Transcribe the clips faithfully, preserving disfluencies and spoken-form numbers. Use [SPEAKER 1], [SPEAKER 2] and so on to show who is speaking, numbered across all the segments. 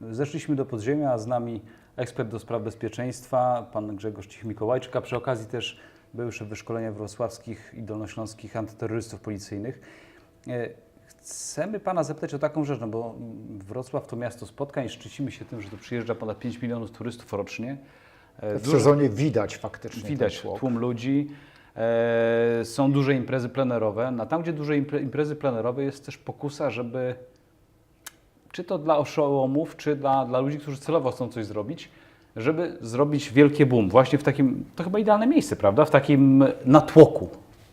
[SPEAKER 1] Zeszliśmy do podziemia, a z nami ekspert do spraw bezpieczeństwa, pan Grzegorz Cich-Mikołajczyk, a przy okazji też były szef wyszkolenia wrocławskich i dolnośląskich antyterrorystów policyjnych. Chcemy pana zapytać o taką rzecz, no bo Wrocław to miasto spotkań, szczycimy się tym, że tu przyjeżdża ponad pięć milionów turystów rocznie.
[SPEAKER 2] W Duże, sezonie widać faktycznie
[SPEAKER 1] Widać
[SPEAKER 2] ten
[SPEAKER 1] tłum ludzi. E, są duże imprezy plenerowe. A tam, gdzie duże imprezy plenerowe, jest też pokusa, żeby czy to dla oszołomów, czy dla, dla ludzi, którzy celowo chcą coś zrobić, żeby zrobić wielkie boom. Właśnie w takim, to chyba idealne miejsce, prawda? W takim natłoku.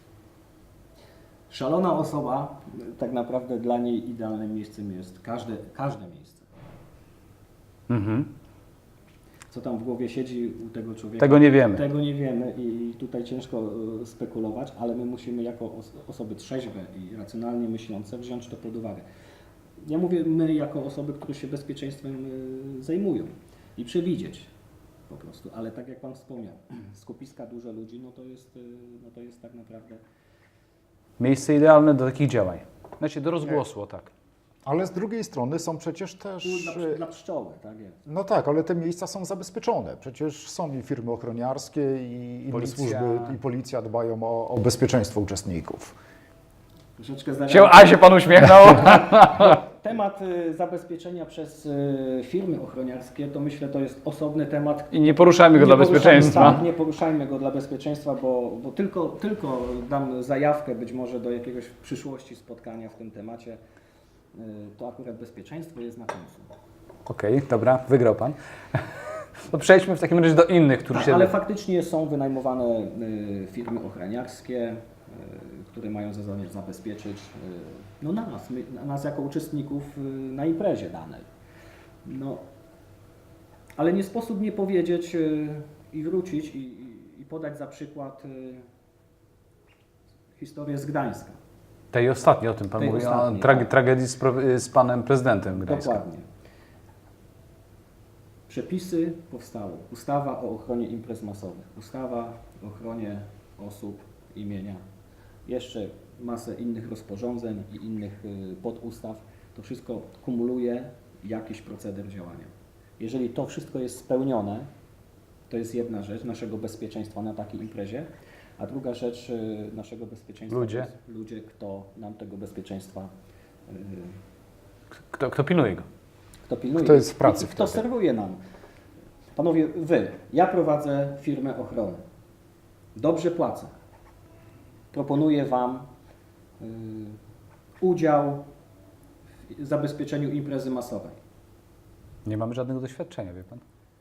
[SPEAKER 3] Szalona osoba, tak naprawdę dla niej idealnym miejscem jest każde, każde miejsce.
[SPEAKER 1] Mhm.
[SPEAKER 3] Co tam w głowie siedzi u tego człowieka?
[SPEAKER 1] Tego nie wiemy.
[SPEAKER 3] Tego nie wiemy i tutaj ciężko spekulować, ale my musimy jako osoby trzeźwe i racjonalnie myślące wziąć to pod uwagę. Ja mówię my jako osoby, które się bezpieczeństwem zajmują i przewidzieć po prostu, ale tak jak Pan wspomniał, skupiska duże ludzi, no to jest, no to jest tak naprawdę...
[SPEAKER 1] Miejsce idealne do takich działań. Znaczy do rozgłosu, o tak.
[SPEAKER 2] Ale z drugiej strony są przecież też...
[SPEAKER 3] Dla, dla pszczoły, tak jest.
[SPEAKER 2] No tak, ale te miejsca są zabezpieczone. Przecież są i firmy ochroniarskie, i inne
[SPEAKER 1] Policja.
[SPEAKER 2] służby, i policja dbają o, o bezpieczeństwo uczestników.
[SPEAKER 3] Troszeczkę
[SPEAKER 1] Się, a się Pan uśmiechnął?
[SPEAKER 3] Temat y, zabezpieczenia przez y, firmy ochroniarskie, to myślę, to jest osobny temat.
[SPEAKER 1] I nie poruszajmy go
[SPEAKER 3] Nie
[SPEAKER 1] dla
[SPEAKER 3] poruszajmy-
[SPEAKER 1] bezpieczeństwa.
[SPEAKER 3] Tak, nie poruszajmy go dla bezpieczeństwa, bo, bo tylko, tylko dam zajawkę być może do jakiegoś w przyszłości spotkania w tym temacie. Y, to akurat bezpieczeństwo jest na końcu.
[SPEAKER 1] Okej, okay, dobra, wygrał Pan. To przejdźmy w takim razie do innych, którzy
[SPEAKER 3] Tak,
[SPEAKER 1] się...
[SPEAKER 3] ale faktycznie są wynajmowane y, firmy ochroniarskie, y, które mają za zadanie zabezpieczyć y, no nas, my, nas jako uczestników y, na imprezie danej. No, ale nie sposób nie powiedzieć y, i wrócić i, i, i podać za przykład y, historię z Gdańska.
[SPEAKER 1] Tej ostatniej, o tym Pan
[SPEAKER 3] Tej
[SPEAKER 1] mówi, o
[SPEAKER 3] ostatniej,
[SPEAKER 1] trage-
[SPEAKER 3] tak.
[SPEAKER 1] tragedii z, pro- z Panem Prezydentem Gdańska.
[SPEAKER 3] Dokładnie. Przepisy powstały. Ustawa o ochronie imprez masowych, ustawa o ochronie osób, imienia, jeszcze masę innych rozporządzeń i innych y, podustaw. To wszystko kumuluje jakiś proceder działania. Jeżeli to wszystko jest spełnione, to jest jedna rzecz naszego bezpieczeństwa na takiej imprezie, a druga rzecz y, naszego bezpieczeństwa
[SPEAKER 1] Ludzie.
[SPEAKER 3] to jest ludzie, kto nam tego bezpieczeństwa y,
[SPEAKER 1] Kto, kto pilnuje go?
[SPEAKER 3] Kto pilnuje?
[SPEAKER 2] Kto jest w pracy
[SPEAKER 3] I Kto
[SPEAKER 2] wtedy?
[SPEAKER 3] serwuje nam? Panowie, wy, ja prowadzę firmę ochrony. Dobrze płacę. Proponuję Wam y, udział w zabezpieczeniu imprezy masowej.
[SPEAKER 1] Nie mamy żadnego doświadczenia, wie Pan?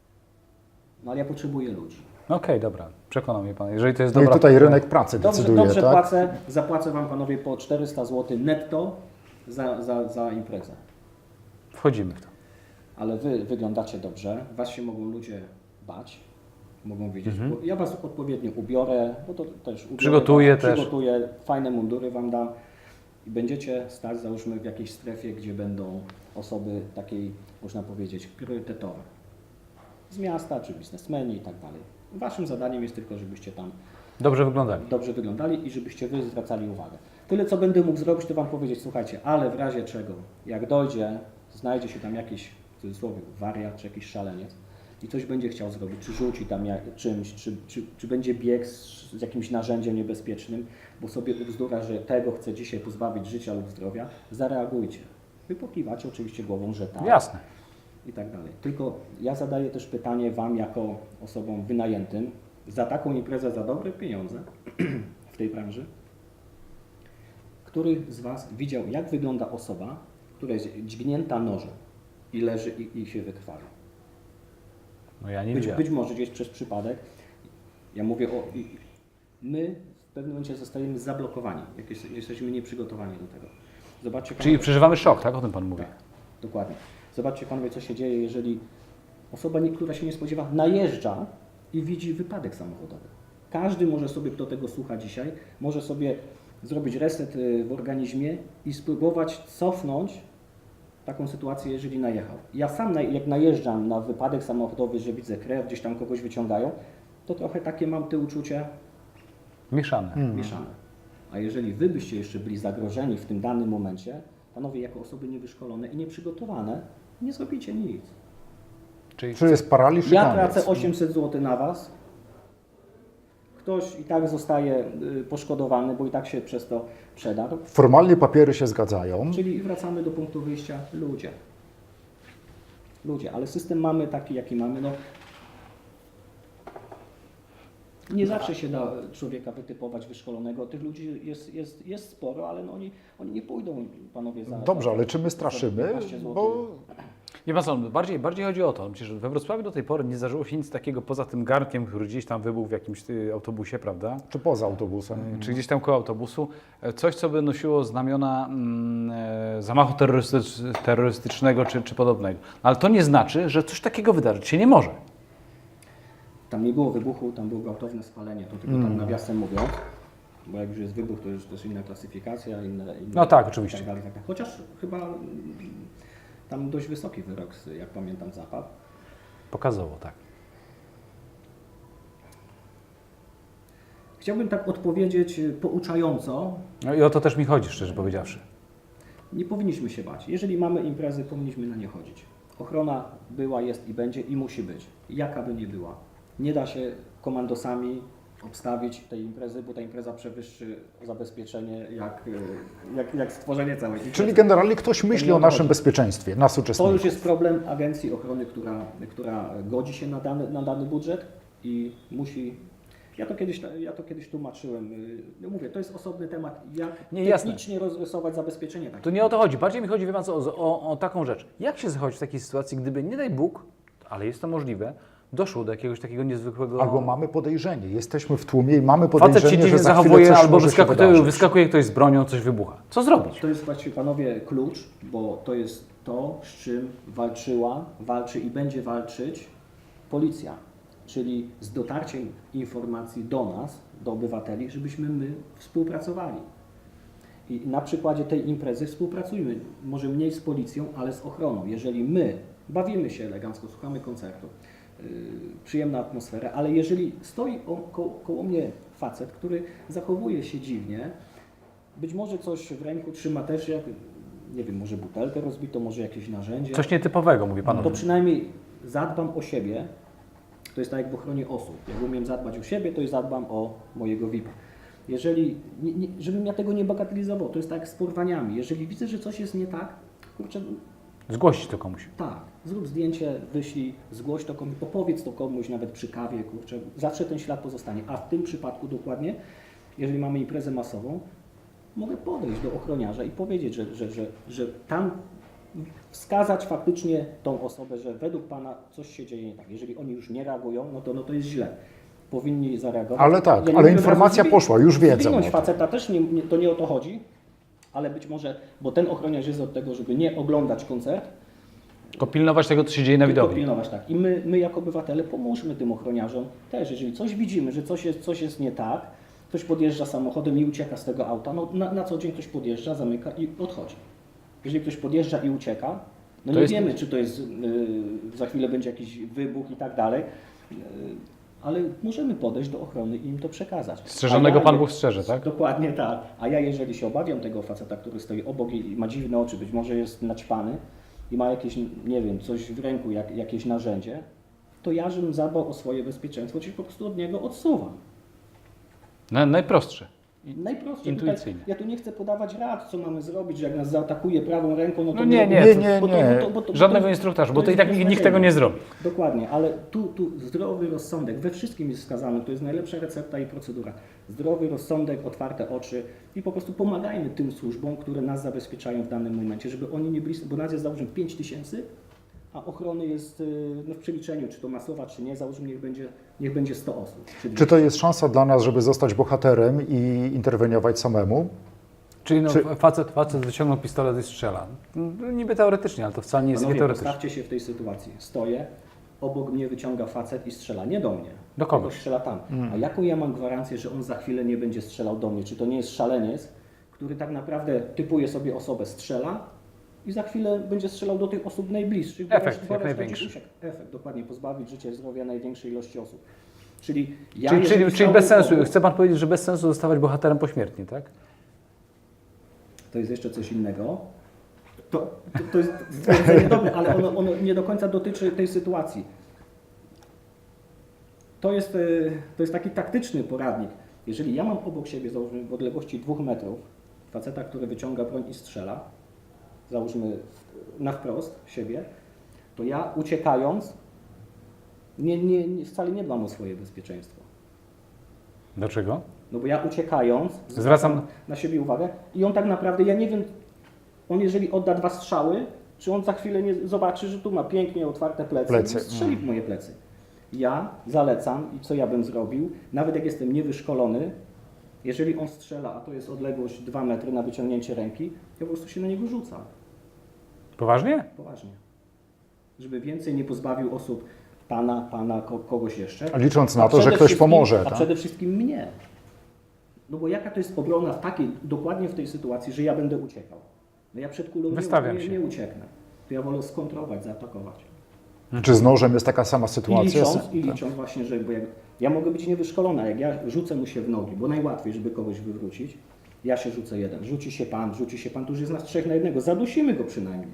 [SPEAKER 3] No ale ja potrzebuję ludzi.
[SPEAKER 1] Okej, okay, dobra, przekonał mnie Pan. Jeżeli to jest
[SPEAKER 2] No i
[SPEAKER 1] dobra...
[SPEAKER 2] tutaj rynek pracy
[SPEAKER 3] Dobrze,
[SPEAKER 2] decyduje,
[SPEAKER 3] dobrze
[SPEAKER 2] tak?
[SPEAKER 3] płacę. Zapłacę Wam, Panowie, po czterysta złotych netto za, za, za imprezę.
[SPEAKER 1] Wchodzimy w to.
[SPEAKER 3] Ale Wy wyglądacie dobrze, Was się mogą ludzie bać, mogą widzieć.
[SPEAKER 1] Mhm.
[SPEAKER 3] Ja Was odpowiednio ubiorę, bo to też ubiorę,
[SPEAKER 1] Przygotuję
[SPEAKER 3] was,
[SPEAKER 1] też.
[SPEAKER 3] Przygotuję, fajne mundury Wam dam i będziecie stać, załóżmy, w jakiejś strefie, gdzie będą osoby takiej, można powiedzieć, priorytetowe. Z miasta, czy biznesmeni i tak dalej. Waszym zadaniem jest tylko, żebyście tam
[SPEAKER 1] Dobrze wyglądali.
[SPEAKER 3] dobrze wyglądali i żebyście Wy zwracali uwagę. Tyle, co będę mógł zrobić, to Wam powiedzieć, słuchajcie, ale w razie czego, jak dojdzie, znajdzie się tam jakiś, w cudzysłowie, wariat, czy jakiś szaleniec i coś będzie chciał zrobić, czy rzuci tam jak, czymś, czy, czy, czy będzie bieg z, z jakimś narzędziem niebezpiecznym, bo sobie ubzdura, że tego chce dzisiaj pozbawić życia lub zdrowia, zareagujcie. Wy pokiwacie oczywiście głową, że tak.
[SPEAKER 1] Jasne.
[SPEAKER 3] I tak dalej. Tylko ja zadaję też pytanie Wam jako osobom wynajętym za taką imprezę, za dobre pieniądze w tej branży. Który z Was widział, jak wygląda osoba, która jest dźgnięta nożem i leży i, i się wykrwawia?
[SPEAKER 1] No ja nie
[SPEAKER 3] Być,
[SPEAKER 1] widziałem.
[SPEAKER 3] być może gdzieś przez przypadek. Ja mówię o... i- My w pewnym momencie zostajemy zablokowani, jak jest, jesteśmy nieprzygotowani do tego. Zobaczcie,
[SPEAKER 1] Czyli
[SPEAKER 3] panowie-
[SPEAKER 1] przeżywamy szok, tak? O tym Pan mówi.
[SPEAKER 3] Tak, dokładnie. Zobaczcie Panowie, co się dzieje, jeżeli osoba, nie- która się nie spodziewa, najeżdża i widzi wypadek samochodowy. Każdy może sobie, kto tego słucha dzisiaj, może sobie zrobić reset y, w organizmie i spróbować cofnąć taką sytuację, jeżeli najechał. Ja sam, na- jak najeżdżam na wypadek samochodowy, że widzę krew, gdzieś tam kogoś wyciągają, to trochę takie mam te uczucia
[SPEAKER 1] Mieszane.
[SPEAKER 2] Hmm.
[SPEAKER 3] mieszane. A jeżeli Wy byście jeszcze byli zagrożeni w tym danym momencie, Panowie, jako osoby niewyszkolone i nieprzygotowane, nie zrobicie nic.
[SPEAKER 1] Czyli
[SPEAKER 2] Czy jest paraliż i
[SPEAKER 3] Ja
[SPEAKER 2] koniec.
[SPEAKER 3] tracę osiemset złotych na Was. Ktoś i tak zostaje y, poszkodowany, bo i tak się przez to przedarł.
[SPEAKER 2] Formalnie papiery się zgadzają.
[SPEAKER 3] Czyli wracamy do punktu wyjścia. Ludzie. Ludzie, ale system mamy taki, jaki mamy. No, nie zawsze się da człowieka wytypować wyszkolonego. Tych ludzi jest, jest, jest sporo, ale no oni, oni nie pójdą, panowie, za...
[SPEAKER 2] Dobrze,
[SPEAKER 3] za-
[SPEAKER 2] ale czy my
[SPEAKER 3] za
[SPEAKER 2] straszymy?
[SPEAKER 3] piętnaście złotych.
[SPEAKER 2] Bo
[SPEAKER 1] Nie ma co, bardziej, bardziej chodzi o to, przecież we Wrocławiu do tej pory nie zdarzyło się nic takiego poza tym garnkiem, który gdzieś tam wybuchł w jakimś y, autobusie, prawda?
[SPEAKER 2] czy poza autobusem?
[SPEAKER 1] Czy gdzieś tam koło autobusu. E, Coś, co by nosiło znamiona mm, e, zamachu terrorystycz, terrorystycznego czy, czy podobnego. Ale to nie znaczy, że coś takiego wydarzyć się nie może.
[SPEAKER 3] Tam nie było wybuchu, tam było gwałtowne spalenie, to tylko tak nawiasem mówiąc. Bo jak już jest wybuch, to już też inna klasyfikacja, inne... inne
[SPEAKER 1] No tak, oczywiście.
[SPEAKER 3] Tak dalej, tak dalej. Chociaż chyba mm, tam dość wysoki wyrok, jak pamiętam, zapadł.
[SPEAKER 1] Pokazowo, tak.
[SPEAKER 3] Chciałbym tak odpowiedzieć y, pouczająco.
[SPEAKER 1] No i o to też mi chodzi, szczerze powiedziawszy.
[SPEAKER 3] Nie powinniśmy się bać. Jeżeli mamy imprezy, powinniśmy na nie chodzić. Ochrona była, jest i będzie i musi być. Jaka by nie była. Nie da się komandosami obstawić tej imprezy, bo ta impreza przewyższy zabezpieczenie jak, y, jak, jak stworzenie całej imprezy.
[SPEAKER 2] Czyli generalnie ktoś myśli
[SPEAKER 3] nie
[SPEAKER 2] o
[SPEAKER 3] o to
[SPEAKER 2] naszym
[SPEAKER 3] chodzi.
[SPEAKER 2] bezpieczeństwie, nas
[SPEAKER 3] To
[SPEAKER 2] uczestników.
[SPEAKER 3] już jest problem Agencji Ochrony, która, która godzi się na dany, na dany budżet i musi... Ja to kiedyś, ja to kiedyś tłumaczyłem. y, No mówię, to jest osobny temat, jak
[SPEAKER 1] Nie, jasne.
[SPEAKER 3] technicznie rozrysować zabezpieczenie takie.
[SPEAKER 1] To nie o to chodzi. Bardziej mi chodzi, wie pan co, o, o, o taką rzecz. Jak się zachować w takiej sytuacji, gdyby, nie daj Bóg, ale jest to możliwe, doszło do jakiegoś takiego niezwykłego...
[SPEAKER 2] Albo mamy podejrzenie, jesteśmy w tłumie i mamy
[SPEAKER 1] Facet się
[SPEAKER 2] podejrzenie, że
[SPEAKER 1] dziwnie
[SPEAKER 2] za chwilę
[SPEAKER 1] zachowuje,
[SPEAKER 2] coś
[SPEAKER 1] albo
[SPEAKER 2] może się
[SPEAKER 1] wyskakuje,
[SPEAKER 2] wydarzyć.
[SPEAKER 1] wyskakuje ktoś z bronią, coś wybucha. Co zrobić?
[SPEAKER 3] To jest właściwie, panowie, klucz, bo to jest to, z czym walczyła, walczy i będzie walczyć policja. Czyli z dotarciem informacji do nas, do obywateli, żebyśmy my współpracowali. I na przykładzie tej imprezy współpracujmy. Może mniej z policją, ale z ochroną. Jeżeli my bawimy się elegancko, słuchamy koncertu, yy, przyjemna atmosfera, ale jeżeli stoi o, ko, koło mnie facet, który zachowuje się dziwnie, być może coś w ręku trzyma też, jak, nie wiem, może butelkę rozbito, może jakieś narzędzie,
[SPEAKER 1] Coś nietypowego, mówi pan. o
[SPEAKER 3] to
[SPEAKER 1] tym.
[SPEAKER 3] przynajmniej zadbam o siebie. To jest tak jak w ochronie osób. Jak umiem zadbać o siebie, to i zadbam o mojego V I P. Jeżeli, nie, nie, żebym ja tego nie bagatelizował, to jest tak jak z porwaniami. Jeżeli widzę, że coś jest nie tak, kurczę,
[SPEAKER 1] Zgłosić to komuś.
[SPEAKER 3] tak, zrób zdjęcie, wyślij, zgłoś to komuś, opowiedz to komuś, nawet przy kawie, kurczę, zawsze ten ślad pozostanie. A w tym przypadku dokładnie, jeżeli mamy imprezę masową, mogę podejść do ochroniarza i powiedzieć, że, że, że, że tam wskazać faktycznie tą osobę, że według Pana coś się dzieje nie tak. Jeżeli oni już nie reagują, no to, no to jest źle. Powinni zareagować.
[SPEAKER 2] Ale tak,
[SPEAKER 3] nie
[SPEAKER 2] ale
[SPEAKER 3] mówię,
[SPEAKER 2] informacja
[SPEAKER 3] że zwi-
[SPEAKER 2] poszła, już wiedzą
[SPEAKER 3] zwinąć
[SPEAKER 2] o tym.
[SPEAKER 3] faceta też nie, nie, to nie o to chodzi, ale być może, bo ten ochroniarz jest od tego, żeby nie oglądać koncert,
[SPEAKER 1] Tylko pilnować tego, co się dzieje na
[SPEAKER 3] tylko
[SPEAKER 1] widowni.
[SPEAKER 3] pilnować, tak. I my, my jako obywatele pomóżmy tym ochroniarzom też. Jeżeli coś widzimy, że coś jest, coś jest nie tak, ktoś podjeżdża samochodem i ucieka z tego auta, no na, na co dzień ktoś podjeżdża, zamyka i odchodzi. Jeżeli ktoś podjeżdża i ucieka, no
[SPEAKER 1] To
[SPEAKER 3] nie
[SPEAKER 1] jest-
[SPEAKER 3] wiemy, czy to jest, yy, za chwilę będzie jakiś wybuch i tak dalej, yy, ale możemy podejść do ochrony i im to przekazać.
[SPEAKER 1] Strzeżonego
[SPEAKER 3] A ja-
[SPEAKER 1] Pan Bóg strzeże, tak?
[SPEAKER 3] Dokładnie tak. A ja jeżeli się obawiam tego faceta, który stoi obok i ma dziwne oczy, być może jest naćpany i ma jakieś, nie wiem, coś w ręku, jak, jakieś narzędzie, to ja, żebym zadbał o swoje bezpieczeństwo, czyli po prostu od niego odsuwam.
[SPEAKER 1] Na, najprostsze.
[SPEAKER 3] Najprościej.
[SPEAKER 1] Intuicyjnie.
[SPEAKER 3] Tutaj, ja tu nie chcę podawać rad, co mamy zrobić, że jak nas zaatakuje prawą ręką, no to
[SPEAKER 1] No nie, nie,
[SPEAKER 2] Nie, nie,
[SPEAKER 3] bo to-
[SPEAKER 2] nie.
[SPEAKER 3] bo to- bo to-
[SPEAKER 1] Żadnego
[SPEAKER 3] bo to-
[SPEAKER 1] instruktażu,
[SPEAKER 3] to
[SPEAKER 1] bo to i
[SPEAKER 3] jest
[SPEAKER 1] tak nikt, nikt tego nie zrobi.
[SPEAKER 3] Dokładnie, ale tu, tu zdrowy rozsądek, we wszystkim jest wskazany, to jest najlepsza recepta i procedura. Zdrowy rozsądek, otwarte oczy i po prostu pomagajmy tym służbom, które nas zabezpieczają w danym momencie, żeby oni nie byli, bo nas jest załóżmy pięć tysięcy, a ochrony jest y, no, w przeliczeniu, czy to masowa, czy nie, załóżmy niech będzie, niech będzie sto osób.
[SPEAKER 2] Czy to jest szansa dla nas, żeby zostać bohaterem i interweniować samemu?
[SPEAKER 1] Czyli no,
[SPEAKER 2] Czy-
[SPEAKER 1] facet, facet wyciągnął pistolet i strzela. No, niby teoretycznie, ale to wcale nie jest
[SPEAKER 3] Panowie,
[SPEAKER 1] teoretycznie.
[SPEAKER 3] postawcie się w tej sytuacji. Stoję, obok mnie wyciąga facet i strzela, nie do mnie.
[SPEAKER 1] Do kogoś.
[SPEAKER 3] Tylko strzela tam. A jaką ja mam gwarancję, że on za chwilę nie będzie strzelał do mnie? Czy to nie jest szaleniec, który tak naprawdę typuje sobie osobę, strzela i za chwilę będzie strzelał do tych osób najbliższych. bo
[SPEAKER 1] Efekt,
[SPEAKER 3] reszta-
[SPEAKER 1] jak
[SPEAKER 3] bo reszta
[SPEAKER 1] największy.
[SPEAKER 3] gdzieś ucieka. Efekt, dokładnie, pozbawić życia i zdrowia największej ilości osób. Czyli ja
[SPEAKER 1] Czyli,
[SPEAKER 3] jeżeli
[SPEAKER 1] czyli, czyli
[SPEAKER 3] stałbym
[SPEAKER 1] bez sensu,
[SPEAKER 3] obok-
[SPEAKER 1] chce Pan powiedzieć, że bez sensu zostawać bohaterem pośmiertnie, tak?
[SPEAKER 3] To jest jeszcze coś innego. To, to, to jest stwierdzenie dobre, ale ono, ono nie do końca dotyczy tej sytuacji. To jest, y, to jest taki taktyczny poradnik. Jeżeli ja mam obok siebie, załóżmy w odległości dwóch metrów, faceta, który wyciąga broń i strzela, załóżmy na wprost siebie, to ja uciekając nie, nie, nie, wcale nie dbam o swoje bezpieczeństwo.
[SPEAKER 1] Dlaczego?
[SPEAKER 3] No bo ja uciekając
[SPEAKER 1] Zwracam
[SPEAKER 3] na siebie uwagę i on tak naprawdę, ja nie wiem, on jeżeli odda dwa strzały, czy on za chwilę nie zobaczy, że tu ma pięknie otwarte plecy,
[SPEAKER 2] Plecy.
[SPEAKER 3] i strzeli w moje plecy. Ja zalecam i co ja bym zrobił, nawet jak jestem niewyszkolony, jeżeli on strzela, a to jest odległość dwa metry na wyciągnięcie ręki, ja po prostu się na niego rzucam.
[SPEAKER 1] Poważnie?
[SPEAKER 3] Poważnie. Żeby więcej nie pozbawił osób pana, pana, ko- kogoś jeszcze.
[SPEAKER 2] Licząc na
[SPEAKER 3] A
[SPEAKER 2] to, że
[SPEAKER 3] przede
[SPEAKER 2] ktoś
[SPEAKER 3] wszystkim-
[SPEAKER 2] pomoże.
[SPEAKER 3] A
[SPEAKER 2] Tak?
[SPEAKER 3] przede wszystkim mnie. No bo jaka to jest obrona w takiej, dokładnie w tej sytuacji, że ja będę uciekał. No ja przed kulą
[SPEAKER 1] Wystawiam
[SPEAKER 3] nie,
[SPEAKER 1] się.
[SPEAKER 3] nie, nie ucieknę. To ja wolę skontrować, zaatakować.
[SPEAKER 2] Czy z nożem jest taka sama
[SPEAKER 3] I
[SPEAKER 2] sytuacja?
[SPEAKER 3] licząc, i
[SPEAKER 2] Tak.
[SPEAKER 3] licząc właśnie, że bo jak, ja mogę być niewyszkolona, jak ja rzucę mu się w nogi, bo najłatwiej, żeby kogoś wywrócić, ja się rzucę jeden, rzuci się pan, rzuci się pan, to już jest nas trzech na jednego, zadusimy go przynajmniej.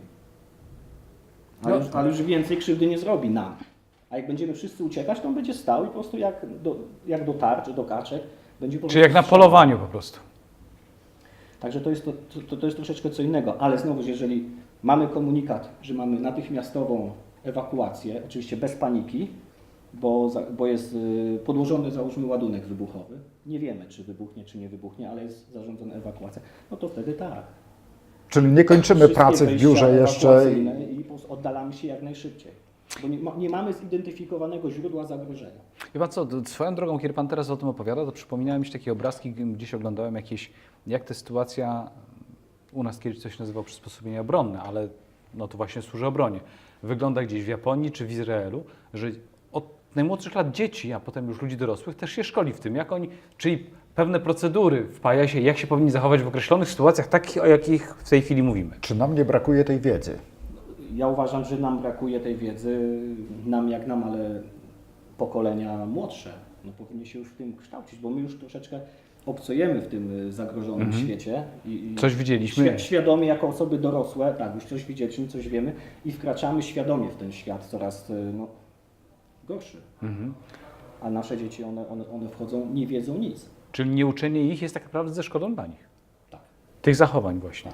[SPEAKER 3] Ale,
[SPEAKER 1] No.
[SPEAKER 3] już, ale już więcej krzywdy nie zrobi nam. A jak będziemy wszyscy uciekać, to on będzie stał i po prostu jak do, jak do tarczy, do kaczek, będzie po
[SPEAKER 1] Czyli jak na
[SPEAKER 3] prostu strzelał.
[SPEAKER 1] polowaniu po prostu.
[SPEAKER 3] Także to jest, to, to, to jest troszeczkę co innego, ale znowu, jeżeli mamy komunikat, że mamy natychmiastową ewakuację, oczywiście bez paniki, bo, za, bo jest y, podłożony, załóżmy, ładunek wybuchowy, nie wiemy, czy wybuchnie, czy nie wybuchnie, ale jest zarządzona ewakuacja, no to wtedy tak.
[SPEAKER 2] Czyli nie kończymy
[SPEAKER 3] Wszystkie
[SPEAKER 2] pracy w
[SPEAKER 3] wejścia
[SPEAKER 2] biurze jeszcze.
[SPEAKER 3] ewakuacyjne i po prostu oddalamy się jak najszybciej, bo nie, ma, nie mamy zidentyfikowanego źródła zagrożenia.
[SPEAKER 1] Wie pan co, d- swoją drogą, kiedy pan teraz o tym opowiada, to przypominają mi się takie obrazki, g- gdzieś oglądałem jakieś, jak ta sytuacja, u nas kiedyś coś nazywał przysposobienie obronne, ale no to właśnie służy obronie. Wygląda gdzieś w Japonii czy w Izraelu, że od najmłodszych lat dzieci, a potem już ludzi dorosłych też się szkoli w tym, jak oni, czyli pewne procedury wpaja się, jak się powinni zachować w określonych sytuacjach, takich, o jakich w tej chwili mówimy.
[SPEAKER 2] Czy nam nie brakuje tej wiedzy?
[SPEAKER 3] Ja uważam, że nam brakuje tej wiedzy, nam jak nam, ale pokolenia młodsze no, powinny się już w tym kształcić, bo my już troszeczkę obcojemy w tym zagrożonym
[SPEAKER 1] Mhm.
[SPEAKER 3] świecie. I, i
[SPEAKER 1] Coś widzieliśmy.
[SPEAKER 3] świ- świadomie jako osoby dorosłe, tak, już coś widzieliśmy, coś wiemy i wkraczamy świadomie w ten świat coraz no, gorszy.
[SPEAKER 1] Mhm.
[SPEAKER 3] A nasze dzieci, one, one, one wchodzą, nie wiedzą nic.
[SPEAKER 1] Czyli nieuczenie ich jest tak naprawdę ze szkodą dla nich.
[SPEAKER 3] Tak.
[SPEAKER 1] Tych zachowań właśnie.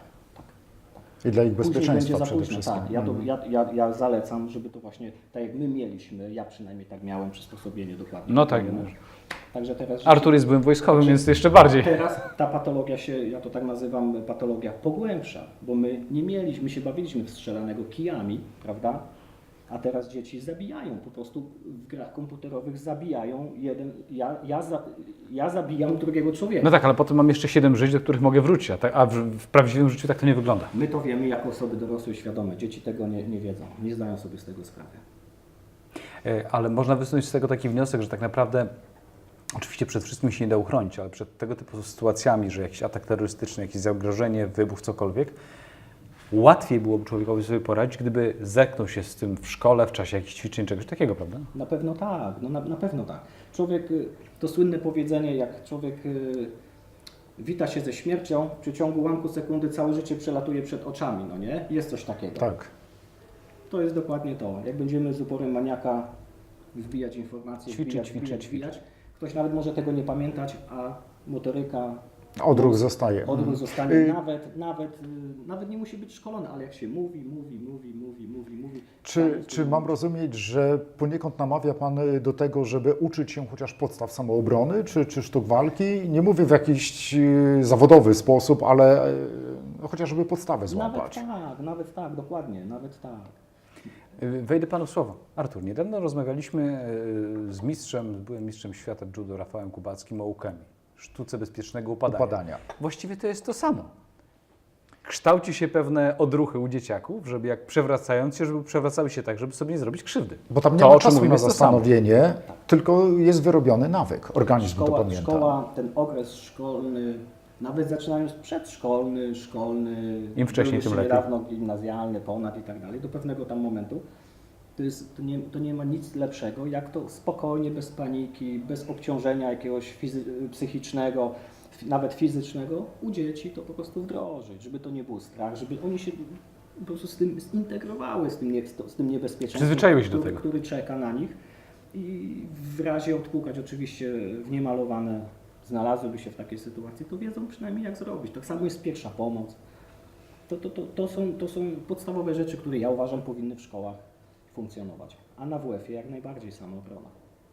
[SPEAKER 2] I dla ich
[SPEAKER 3] Później
[SPEAKER 2] bezpieczeństwa
[SPEAKER 3] będzie za
[SPEAKER 2] przede
[SPEAKER 3] późno,
[SPEAKER 2] wszystkim.
[SPEAKER 3] tak. Ja, to,
[SPEAKER 2] Mhm.
[SPEAKER 3] ja, ja, ja zalecam, żeby to właśnie, tak jak my mieliśmy, ja przynajmniej tak miałem, przysposobienie dokładnie.
[SPEAKER 1] No tak.
[SPEAKER 3] wypełnione. Także teraz...
[SPEAKER 1] Artur jest byłym wojskowym, więc jeszcze bardziej.
[SPEAKER 3] Teraz ta patologia się, ja to tak nazywam, patologia pogłębsza, bo my nie mieliśmy, my się bawiliśmy w strzelanego kijami, prawda? A teraz dzieci zabijają, po prostu w grach komputerowych zabijają jeden, ja, ja, za, ja zabijam drugiego człowieka.
[SPEAKER 1] No tak, ale potem mam jeszcze siedem żyć, do których mogę wrócić, a, tak, a w, w prawdziwym życiu tak to nie wygląda.
[SPEAKER 3] My to wiemy jako osoby dorosłe i świadome, dzieci tego nie, nie wiedzą, nie zdają sobie z tego sprawy.
[SPEAKER 1] E, Ale można wysunąć z tego taki wniosek, że tak naprawdę, oczywiście przed wszystkim się nie da uchronić, ale przed tego typu sytuacjami, że jakiś atak terrorystyczny, jakieś zagrożenie, wybuch, cokolwiek, łatwiej byłoby człowiekowi sobie poradzić, gdyby zetknął się z tym w szkole, w czasie jakichś ćwiczeń, czegoś takiego, prawda?
[SPEAKER 3] Na pewno tak, no na, na pewno tak. Człowiek, y, to słynne powiedzenie, jak człowiek y, wita się ze śmiercią, w przeciągu ułamku sekundy całe życie przelatuje przed oczami, no nie? Jest coś takiego.
[SPEAKER 2] Tak.
[SPEAKER 3] To jest dokładnie to. Jak będziemy z uporem maniaka wbijać informacje,
[SPEAKER 1] Ćwiczyć,
[SPEAKER 3] wbijać,
[SPEAKER 1] ćwiczyć,
[SPEAKER 3] wbijać,
[SPEAKER 1] ćwiczyć.
[SPEAKER 3] wbijać, ktoś nawet może tego nie pamiętać, a motoryka,
[SPEAKER 2] Odruch zostaje.
[SPEAKER 3] odruch
[SPEAKER 2] Mhm.
[SPEAKER 3] zostanie,
[SPEAKER 2] Y,
[SPEAKER 3] nawet, nawet, y, nawet nie musi być szkolony, ale jak się mówi, mówi, mówi, mówi, mówi, mówi.
[SPEAKER 2] Czy, czy mam rozumieć, że poniekąd namawia Pan do tego, żeby uczyć się chociaż podstaw samoobrony, czy, czy sztuk walki? Nie mówię w jakiś e, zawodowy sposób, ale e, no, chociażby podstawę
[SPEAKER 3] Nawet
[SPEAKER 2] złapać.
[SPEAKER 3] tak, nawet tak, dokładnie, nawet tak.
[SPEAKER 1] E, Wejdę panu w słowo. Artur, niedawno rozmawialiśmy e, z mistrzem, z byłym mistrzem świata judo Rafałem Kubackim o ukemi, sztuce bezpiecznego upadania.
[SPEAKER 2] Upadania.
[SPEAKER 1] Właściwie to jest to samo. Kształci się pewne odruchy u dzieciaków, żeby jak przewracając się, żeby przewracały się tak, żeby sobie nie zrobić krzywdy.
[SPEAKER 2] Bo tam nie
[SPEAKER 1] To,
[SPEAKER 2] ma
[SPEAKER 1] o czym
[SPEAKER 2] czasu
[SPEAKER 1] mówimy,
[SPEAKER 2] na
[SPEAKER 1] jest to samo.
[SPEAKER 2] zastanowienie, tylko jest wyrobiony nawyk. Organizm to
[SPEAKER 3] Szkoła,
[SPEAKER 2] pamięta.
[SPEAKER 3] szkoła, ten okres szkolny, nawet zaczynając przedszkolny, szkolny,
[SPEAKER 1] Im wcześniej,
[SPEAKER 3] był
[SPEAKER 1] tym
[SPEAKER 3] jeszcze
[SPEAKER 1] lepiej.
[SPEAKER 3] niedawno gimnazjalny, ponad i tak dalej, do pewnego tam momentu, to, jest, to, nie, to nie ma nic lepszego, jak to spokojnie, bez paniki, bez obciążenia jakiegoś fizy- psychicznego, f- nawet fizycznego, u dzieci to po prostu wdrożyć, żeby to nie był strach, żeby oni się po prostu z tym zintegrowały, z tym, nie, z tym niebezpieczeństwem,
[SPEAKER 1] Przyzwyczaiły się do
[SPEAKER 3] który,
[SPEAKER 1] tego.
[SPEAKER 3] który czeka na nich i w razie odpukać oczywiście w niemalowane znalazłyby się w takiej sytuacji, to wiedzą przynajmniej jak zrobić. Tak samo jest pierwsza pomoc. To, to, to, to, są, to są podstawowe rzeczy, które ja uważam powinny w szkołach funkcjonować, a na W F-ie jak najbardziej samoobrona.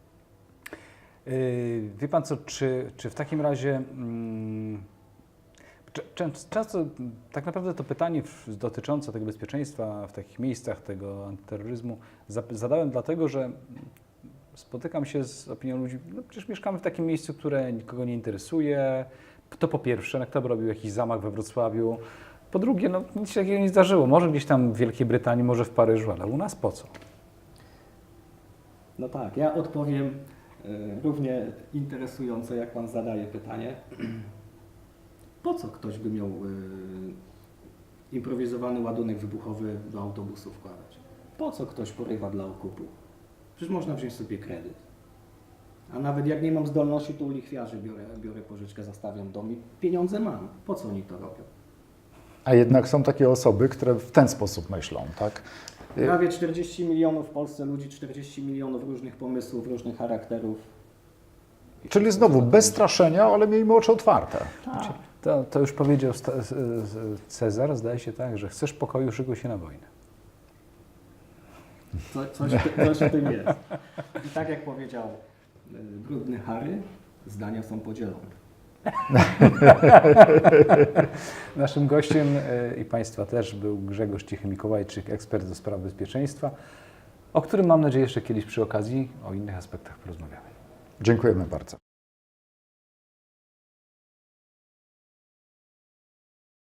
[SPEAKER 1] Yy, Wie Pan co, czy, czy w takim razie mm, cze- czę- często tak naprawdę to pytanie w- dotyczące tego bezpieczeństwa w takich miejscach, tego antyterroryzmu zap- zadałem dlatego, że spotykam się z opinią ludzi, no przecież mieszkamy w takim miejscu, które nikogo nie interesuje. To po pierwsze, no kto by robił jakiś zamach we Wrocławiu? Po drugie, no nic się takiego nie zdarzyło. Może gdzieś tam w Wielkiej Brytanii, może w Paryżu, ale u nas po co?
[SPEAKER 3] No tak, ja odpowiem y, równie interesująco, jak Pan zadaje pytanie. Po co ktoś by miał y, improwizowany ładunek wybuchowy do autobusu wkładać? Po co ktoś porywa dla okupu? Przecież można wziąć sobie kredyt. A nawet jak nie mam zdolności, to u lichwiarzy biorę, biorę pożyczkę, zastawiam dom i pieniądze mam. Po co oni to robią?
[SPEAKER 2] A jednak są takie osoby, które w ten sposób myślą, tak?
[SPEAKER 3] Prawie czterdzieści milionów w Polsce ludzi, czterdzieści milionów różnych pomysłów, różnych charakterów.
[SPEAKER 2] Czyli znowu bez straszenia, ale miejmy oczy otwarte.
[SPEAKER 3] Tak.
[SPEAKER 1] To, to już powiedział sta- z- z- Cezar, zdaje się tak, że chcesz pokoju, szykuj się na wojnę.
[SPEAKER 3] Co, coś, coś o tym jest. I tak jak powiedział y, brudny Harry, zdania są podzielone.
[SPEAKER 1] Naszym gościem e, i Państwa też był Grzegorz Cichy-Mikołajczyk, ekspert do spraw bezpieczeństwa, o którym mam nadzieję jeszcze kiedyś przy okazji o innych aspektach porozmawiamy.
[SPEAKER 2] Dziękujemy bardzo.